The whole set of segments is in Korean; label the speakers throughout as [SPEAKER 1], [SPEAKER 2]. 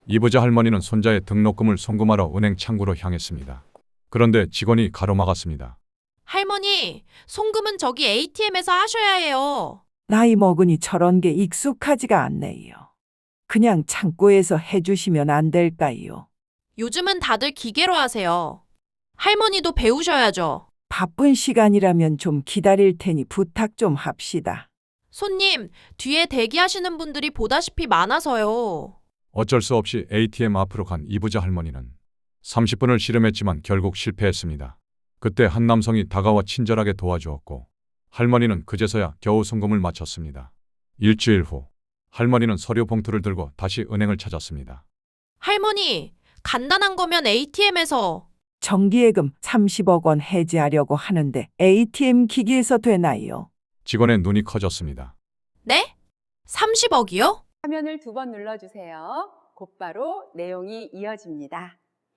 [SPEAKER 1] 이부자 할머니는 손자의 등록금을 송금하러 은행 창구로 향했습니다. 그런데 직원이 가로막았습니다.
[SPEAKER 2] 할머니, 송금은 저기 ATM에서 하셔야 해요.
[SPEAKER 3] 나이 먹으니 저런 게 익숙하지가 않네요. 그냥 창고에서 해주시면 안 될까요?
[SPEAKER 2] 요즘은 다들 기계로 하세요. 할머니도 배우셔야죠.
[SPEAKER 3] 바쁜 시간이라면 좀 기다릴 테니 부탁 좀 합시다.
[SPEAKER 2] 손님, 뒤에 대기하시는 분들이 보다시피 많아서요.
[SPEAKER 1] 어쩔 수 없이 ATM 앞으로 간 이부자 할머니는 30분을 씨름했지만 결국 실패했습니다. 그때 한 남성이 다가와 친절하게 도와주었고 할머니는 그제서야 겨우 송금을 마쳤습니다. 일주일 후 할머니는 서류 봉투를 들고 다시 은행을 찾았습니다.
[SPEAKER 2] 할머니, 간단한 거면 ATM에서.
[SPEAKER 3] 정기예금 30억 원 해지하려고 하는데 ATM 기기에서 되나요?
[SPEAKER 1] 직원의 눈이 커졌습니다.
[SPEAKER 2] 네? 30억이요?
[SPEAKER 4] 화면을 2번 눌러주세요. 곧바로 내용이 이어집니다.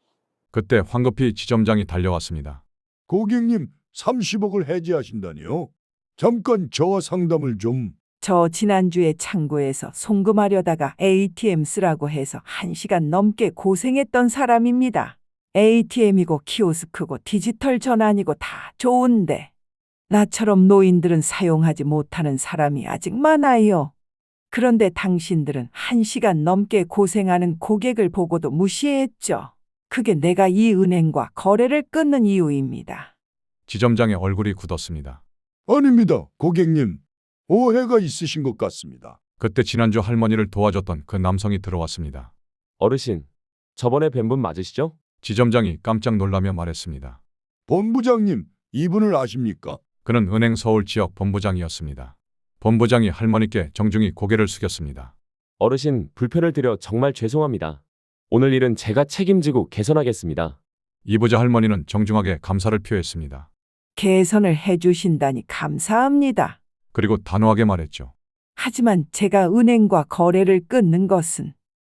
[SPEAKER 1] 그때 황급히 지점장이 달려왔습니다.
[SPEAKER 5] 고객님, 30억을 해지하신다니요? 잠깐 저와 상담을 좀.
[SPEAKER 3] 저 지난주에 창고에서 송금하려다가 ATM 쓰라고 해서 1시간 넘게 고생했던 사람입니다. ATM이고 키오스크고 디지털 전환이고 다 좋은데 나처럼 노인들은 사용하지 못하는 사람이 아직 많아요. 그런데 당신들은 1시간 넘게 고생하는 고객을 보고도 무시했죠. 그게 내가 이 은행과 거래를 끊는 이유입니다.
[SPEAKER 1] 지점장의 얼굴이 굳었습니다.
[SPEAKER 5] 아닙니다, 고객님. 오해가 있으신 것 같습니다.
[SPEAKER 1] 그때 지난주 할머니를 도와줬던 그 남성이 들어왔습니다.
[SPEAKER 6] 어르신, 저번에 뵌 분 맞으시죠?
[SPEAKER 1] 지점장이 깜짝 놀라며 말했습니다.
[SPEAKER 5] 본부장님, 이분을 아십니까?
[SPEAKER 1] 그는 은행 서울 지역 본부장이었습니다. 본부장이 할머니께 정중히 고개를 숙였습니다.
[SPEAKER 6] 어르신, 불편을 드려 정말 죄송합니다. 오늘 일은 제가 책임지고 개선하겠습니다.
[SPEAKER 1] 이부자 할머니는 정중하게 감사를 표했습니다.
[SPEAKER 3] 개선을 해주신다니 감사합니다.
[SPEAKER 1] 그리고 단호하게 말했죠.
[SPEAKER 3] 하지만 제가 은행과 거래를 끊는 것은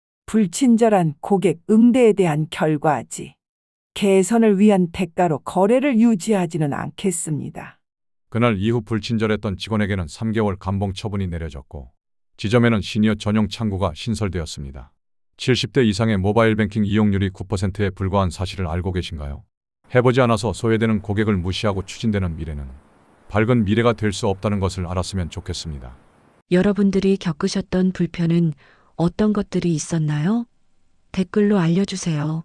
[SPEAKER 3] 불친절한 고객 응대에 대한 결과지. 개선을 위한 대가로 거래를 유지하지는 않겠습니다.
[SPEAKER 1] 그날 이후 불친절했던 직원에게는 3개월 감봉 처분이 내려졌고 지점에는 시니어 전용 창구가 신설되었습니다. 70대 이상의 모바일 뱅킹 이용률이 9%에 불과한 사실을 알고 계신가요? 해보지 않아서 소외되는 고객을 무시하고 추진되는 미래는 밝은 미래가 될 수 없다는 것을 알았으면 좋겠습니다.
[SPEAKER 7] 여러분들이 겪으셨던 불편은 어떤 것들이 있었나요? 댓글로 알려주세요.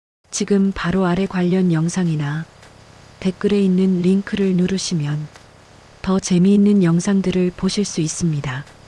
[SPEAKER 7] 지금 바로 아래 관련 영상이나 댓글에 있는 링크를 누르시면 더 재미있는 영상들을 보실 수 있습니다.